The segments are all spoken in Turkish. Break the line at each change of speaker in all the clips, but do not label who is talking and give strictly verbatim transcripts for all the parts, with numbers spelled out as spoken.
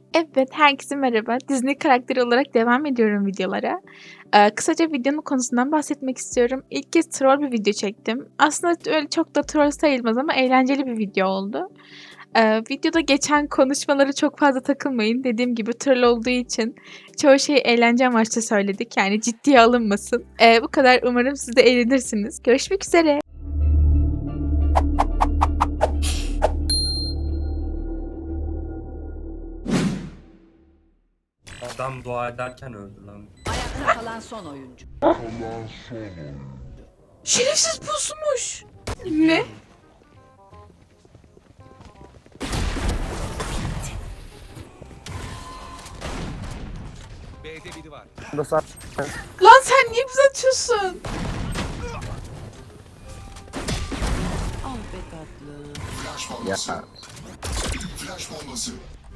Evet, herkese merhaba. Disney karakteri olarak devam ediyorum videolara. Eee, kısaca videonun konusundan bahsetmek istiyorum. İlk kez troll bir video çektim. Aslında öyle çok da troll sayılmaz ama eğlenceli bir video oldu. Eee, videoda geçen konuşmalara çok fazla takılmayın. Dediğim gibi troll olduğu için çoğu şeyi eğlence amaçlı söyledik. Yani ciddiye alınmasın. Eee, bu kadar. Umarım siz de eğlenirsiniz. Görüşmek üzere.
Adam dua ederken öldü lan.
Ayakta kalan son oyuncu.
Şerefsiz pusmuş. Ne?
B'de biri var.
Lan sen niye bize atıyorsun?
Ah be tatlım.
Ya
Flash bombası.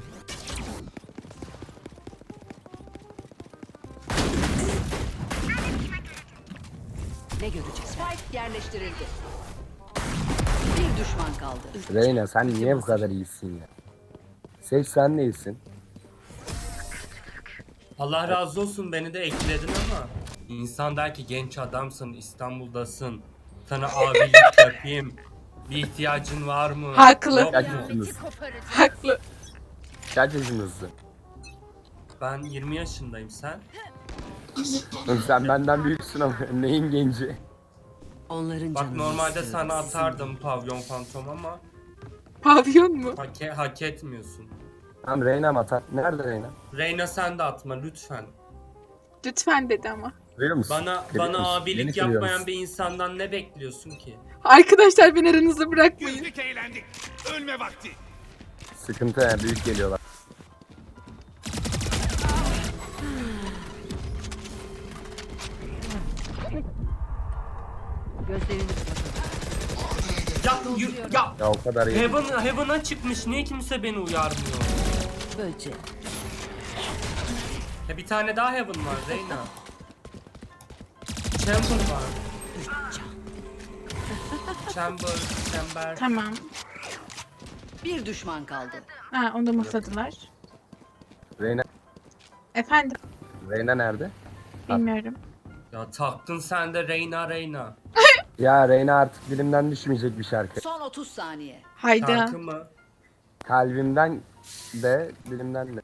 Ne görecek? Spike yerleştirildi. Bir düşman kaldı.
Reyna sen niye bu kadar iyisin ya? Seç sen de iyisin.
Allah razı olsun, beni de ekledin ama insan der ki genç adamsın, İstanbul'dasın, sana abilik yapayım, bir ihtiyacın var mı?
Haklı.
Yok
Kaç
mu?
yaşındasın?
Haklı.
Kaç yaşındasın?
Ben yirmi yaşındayım, sen?
Oğlum sen benden büyüksün ama neyin genci?
Onların
Bak
canını
normalde
istiyorum.
sana atardım pavyon fantom ama
Pavyon mu?
hak, e- hak etmiyorsun.
Tamam Reyna mı atar? Nerede Reyna?
Reyna sen de atma lütfen.
Lütfen dedi ama.
Duyuyor musun?
Bana
Görüyor
bana
musun? Beni
abilik
kırıyor
yapmayan
musun?
bir insandan ne bekliyorsun ki?
Arkadaşlar beni aranızda bırakmayın.
Güldük eğlendik. Ölme vakti.
Sıkıntı ya, büyük geliyorlar.
Gözlerini kapatın.
Ya, yu- ya
Ya o kadar iyi.
Heaven, Heaven'a çıkmış, niye kimse beni uyarmıyor?
Böcek.
Ya bir tane daha Heaven var Reyna. Chamber var. Chamber, Chamber.
Tamam.
Bir düşman kaldı.
Ha, onu da mutladılar.
Reyna,
Efendim,
Reyna nerede?
bilmiyorum.
Ya taktın sen de Reyna Reyna.
Ya Reyna artık dilimden düşmeyecek bir şarkı.
Son otuz saniye.
Hayda.
Şarkı mı?
Kalbimden de dilimden de.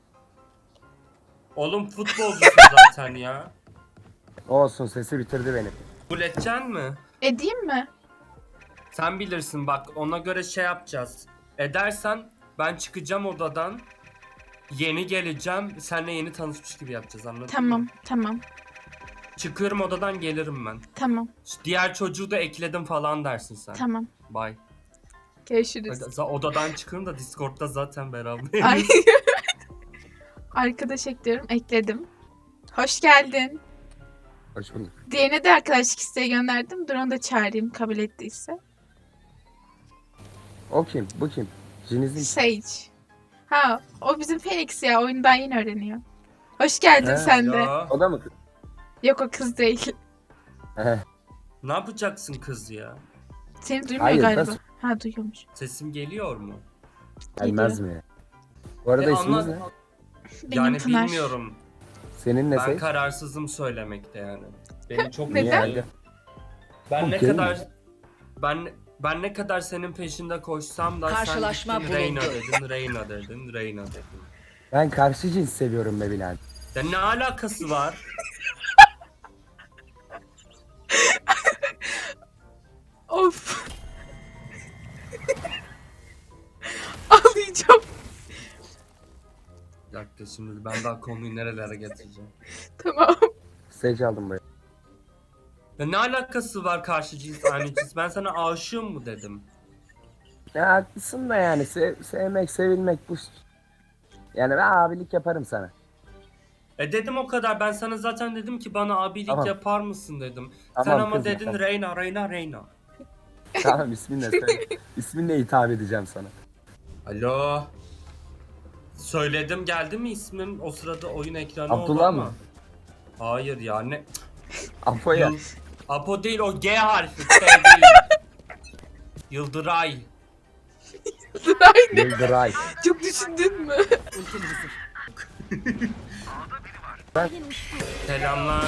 Oğlum futbolcusun zaten ya.
Olsun, sesi bitirdi beni.
Kabul edeceksin mi?
Edeyim mi?
Sen bilirsin bak, ona göre şey yapacağız. Edersen ben çıkacağım odadan. Yeni geleceğim. Seninle yeni tanışmış gibi yapacağız, anladın mı?
Tamam, tamam,
Çıkıyorum odadan, gelirim ben.
tamam,
Diğer çocuğu da ekledim falan dersin sen.
tamam.
Bye.
Görüşürüz.
Hadi, odadan çıkıyorum da Discord'da zaten beraber.
Ay. Arkadaş ekliyorum, ekledim. Hoş geldin.
Hoş bulduk.
Diğerine de arkadaşlık isteği gönderdim. Dur onu da çağırayım kabul ettiyse.
O kim? Bu kim? Jiniz'in
Sage. Ha, o bizim Phoenix ya. Oyunu daha yeni öğreniyor. Hoş geldin
Ha,
sen de.
Ya,
O da mı?
Yok, o kız değil.
Heh,
ne yapacaksın kız ya?
Seni duymuyor
Hayır,
galiba.
nasıl?
Ha, duyuyormuş.
Sesim geliyor mu?
Gelmez mi? Bu arada
E,
isminiz
anla-
ne?
Benim
Yani
Pınar.
bilmiyorum.
Senin ne
Ben
Sage?
kararsızım söylemekte yani. Beni çok
Neden?
üzüyor. Ben
Oğlum,
ne
değil
kadar
mi?
ben ben ne kadar senin peşinde koşsam da
Karşılaşma
sen gittin Reyna
bulundu.
dedin, Reyna dedin, Reyna dedin.
Ben karşı cins seviyorum be Bilal.
Ya ne alakası var?
Of. Ağlayacağım.
Bir dakika, şimdi ben daha konuyu nerelere getireceğim.
Tamam.
Sage aldım buraya.
Ya ne alakası var karşı cins aynı cins? Ben sana aşığım mı dedim?
Ya haklısın da yani sev- sevmek, sevilmek bu. Yani ben abilik yaparım sana.
E dedim o kadar. Ben sana zaten dedim ki bana abilik
Tamam.
yapar mısın dedim.
Tamam,
Sen ama
kızma,
dedin
tamam.
Reyna, Reyna, Reyna.
Tamam, isminle söyle. İsminle hitap edeceğim sana.
Alo. Söyledim, geldi mi ismim? O sırada oyun ekranı oldu
Abdullah
ama.
mı?
Hayır ya, ne?
Apo'ya.
Yıl- Apo değil, o G harfi. S değil. Yıldıray.
Aynı.
Yıldıray.
Çok düşündün mü?
Ultim hazır.
Selamlar.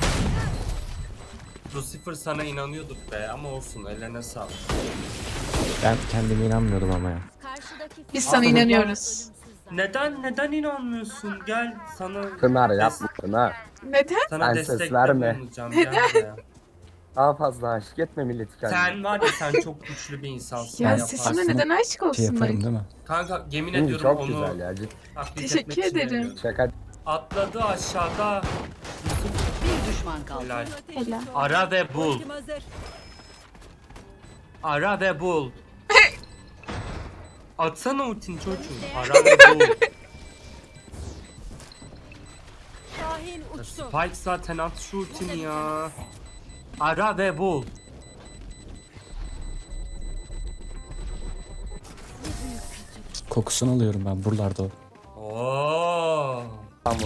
Lucifer sana inanıyorduk be ama olsun ellerine sağlık.
Ben kendime inanmıyordum ama ya.
Biz sana
Aa,
inanıyoruz.
Neden neden inanmıyorsun? Gel sana
Pınar
des-
yapma Pınar.
Neden?
sana
Ben ses
destekte
verme.
bulunacağım. Gel buraya.
Daha fazla aşık etme milleti kendine.
Sen var ya sen çok güçlü bir insansın.
Ya
yaparsın.
sesime neden aşık
Şey
olsunlar?
yaparım değil mi?
Kanka yemin
Değil mi?
ediyorum
Çok
onu
güzel ya. Ciddi.
taklit
Teşekkür
etmek için
ederim.
yapıyorum.
Şaka.
Atladı aşağıda.
Bir düşman kaldı.
Helal.
Helal.
Ara ve bul. Ara ve bul. Atsana ultin çocuğum. Ara ve bul. Ya Spike zaten at şu ultini ya. Ara ve bul.
Kokusunu alıyorum ben buralarda o.
Oo.
Tamam.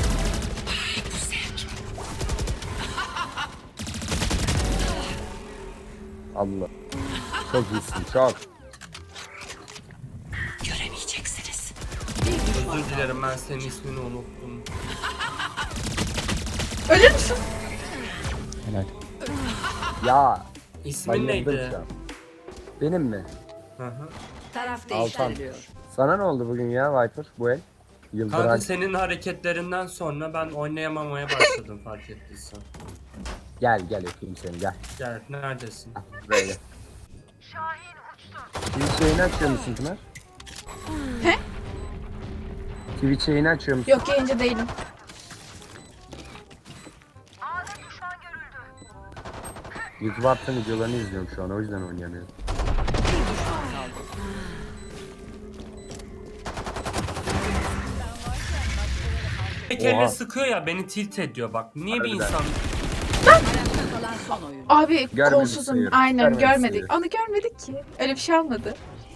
Allah. Çok iyisin çok.
Özür dilerim ben senin ismini unuttum.
Ölür müsün?
Helal.
Ya
İsmin
bayıldım
neydi?
şu an. Benim mi?
Hı hı.
Taraf
Altan.
değiştiriliyor.
Sana ne oldu bugün ya Viper bu el?
Kanka
Yıldıray.
senin hareketlerinden sonra ben oynayamamaya başladım fark ettiysen.
Gel gel öpeyim seni gel.
Gel neredesin?
Böyle. Twitch yayını açıyor musun Pınar?
He?
Twitch yayını açıyor musun?
Yok yayıncı değilim.
YouTube attığım videolarını izliyorum şu an o yüzden oynayamıyorum.
Bir düşman kaldı.
Bir kere
Oha.
sıkıyor ya beni tilt ediyor bak. Niye bir
Harbiden.
insan...
Ayakta kalan son oyuncu.
Abi
Görmedik
kolsuzum.
sayıyorum.
Aynen
Görmedik
görmedik.
sayıyorum.
Onu görmedik ki. Öyle bir şey olmadı.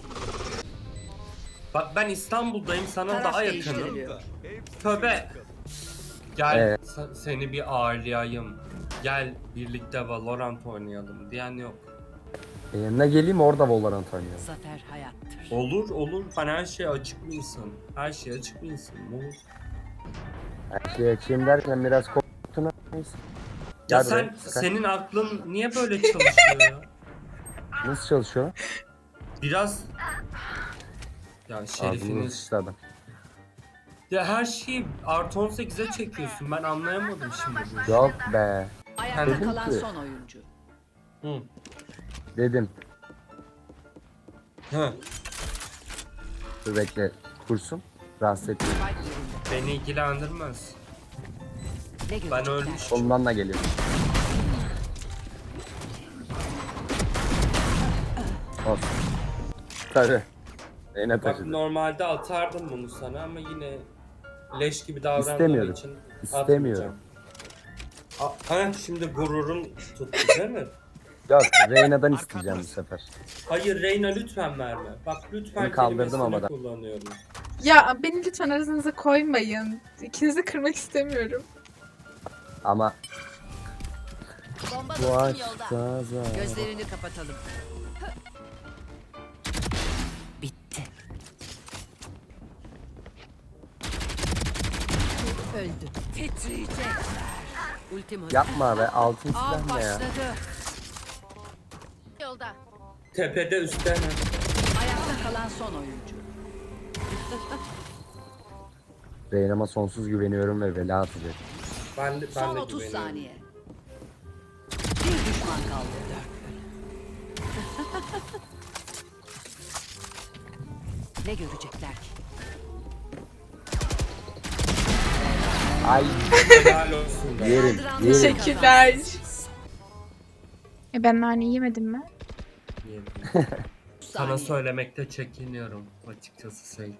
Bak ben İstanbul'dayım sana
Taraf
daha yakınım.
değiştiriliyor.
Tövbe. Gel
Evet.
se- seni bir ağırlayayım. Gel birlikte Valorant oynayalım diyen yok.
E, yanına geleyim orada Valorant oynayalım.
Zafer hayattır.
Olur olur ben her şeye açık bir insanım. Her şeye açık bir insanım olur.
Her şeyi açayım derken biraz korktun ama neyse.
Ya
Gel
sen
buraya, sıkar.
senin aklın niye böyle çalışıyor ya?
Nasıl çalışıyor?
Biraz ya
Ağzını
şerifiniz.
sıçtı adam.
Ya her şeyi artı on sekize çekiyorsun. Ben anlayamadım şimdi bu işi.
Yok be.
Ayakta
Dedim
kalan
ki-
son oyuncu.
Hı.
Dedim.
Hı.
Dur bekle. Kursun. Rahatsız etmeyin.
Spike yerinde.
Beni ilgilendirmez.
Ne
Ben
görecekler?
ölmüşüm.
Ondan da geliyor. Olsun. Tabii. Yine
Bak
taşıdı.
normalde atardım bunu sana ama yine leş gibi davrandığım
İstemiyorum.
için
İstemiyorum.
atmayacağım. A- ha şimdi gururun tuttu değil mi?
Yok. Reyna'dan isteyeceğim bu sefer.
Hayır Reyna lütfen verme. Bak lütfen
Bunu kaldırdım
kelimesini
ama da.
kullanıyorum.
Ya beni lütfen aranıza koymayın. İkinizi kırmak istemiyorum.
Ama
Bomba
bu
dostum
aşk
yolda.
zaza.
Gözlerini kapatalım. Bitti. Öldü. Titriyecekler. Ultim hazır.
Yapma be. Altın
Av
silah ne ya?
başladı. Yolda.
Tepede üstte mi?
Ayakta kalan son oyuncu.
Reyna'ma sonsuz güveniyorum ve vela atacak.
Ben de, ben
Son
de
otuz
güveniyorum.
saniye. Bir düşman kaldı. Ne görecekler ki?
Ay
Helal olsun be.
yerim.
Saldıranlar
Yerim.
Teşekkürler.
kazansın.
E ben naneyi yemedim mi?
Yedim. Sana
Saniye.
söylemekte çekiniyorum açıkçası Sage.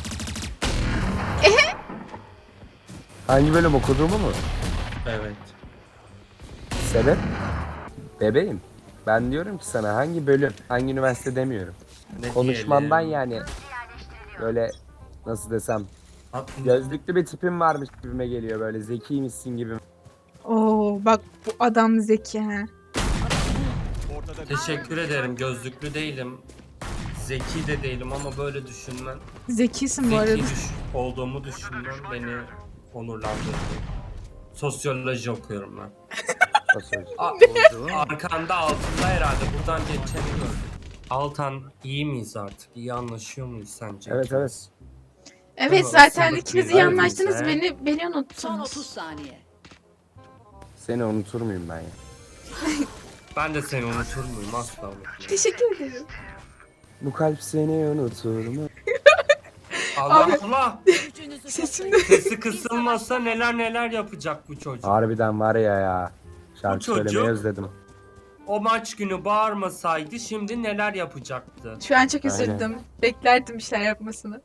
Hangi bölüm okuduğumu mu?
Evet.
Sebep? Bebeğim. Ben diyorum ki sana hangi bölüm, hangi üniversite demiyorum.
Ne
Konuşmandan
diyelim?
yani böyle nasıl desem
Aklım-
gözlüklü bir tipim varmış gibime geliyor böyle zekiymişsin gibi.
Oo bak bu adam zeki ha.
Ortada
Teşekkür ederim gözlüklü değilim. zeki de değilim ama böyle düşünmen,
Zekisin bu arada.
zeki düş olduğumu düşünmen beni onurlandırdı. Sosyoloji okuyorum ben.
Sosyoloji.
A- arkanda altında herhalde buradan geçeni gördüm. Altan iyi miyiz artık? İyi anlaşıyor muyuz sence?
Evet,
ikimiz?
evet.
Evet
Tamam,
zaten
sınıf
ikiniz iyi
bir
anlaştınız.
öğrenci.
Beni, beni
Son
unuttunuz.
otuz saniye.
Seni unutur muyum ben ya?
Ben de seni unutur muyum? Asla unutmam.
Teşekkür ederim.
Bu kalp seni unutur mu?
Allah Allah!
Sesim de...
Sesi kısılmasa neler neler yapacak bu çocuk.
Harbiden var ya ya. Şarkı
Bu çocuk-
söylemeyi özledim.
O maç günü bağırmasaydı şimdi neler yapacaktı?
Şu an çok
Aynen.
üzüldüm. Beklerdim bir şeyler yapmasını.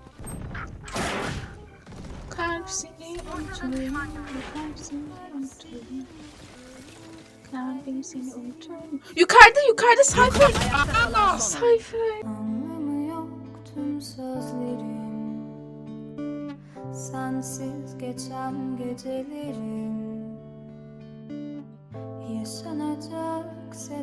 Kalp seni unutuyorum. Kalp seni unutuyorum. Kalbim seni unutuyorum. Yukarıda yukarıda sayfa.
Ayakta kalan son oyuncu.
Sayfa.
Anlamı yok tüm sözlerim, sensiz geçen gecelerim. Yaşanacaksa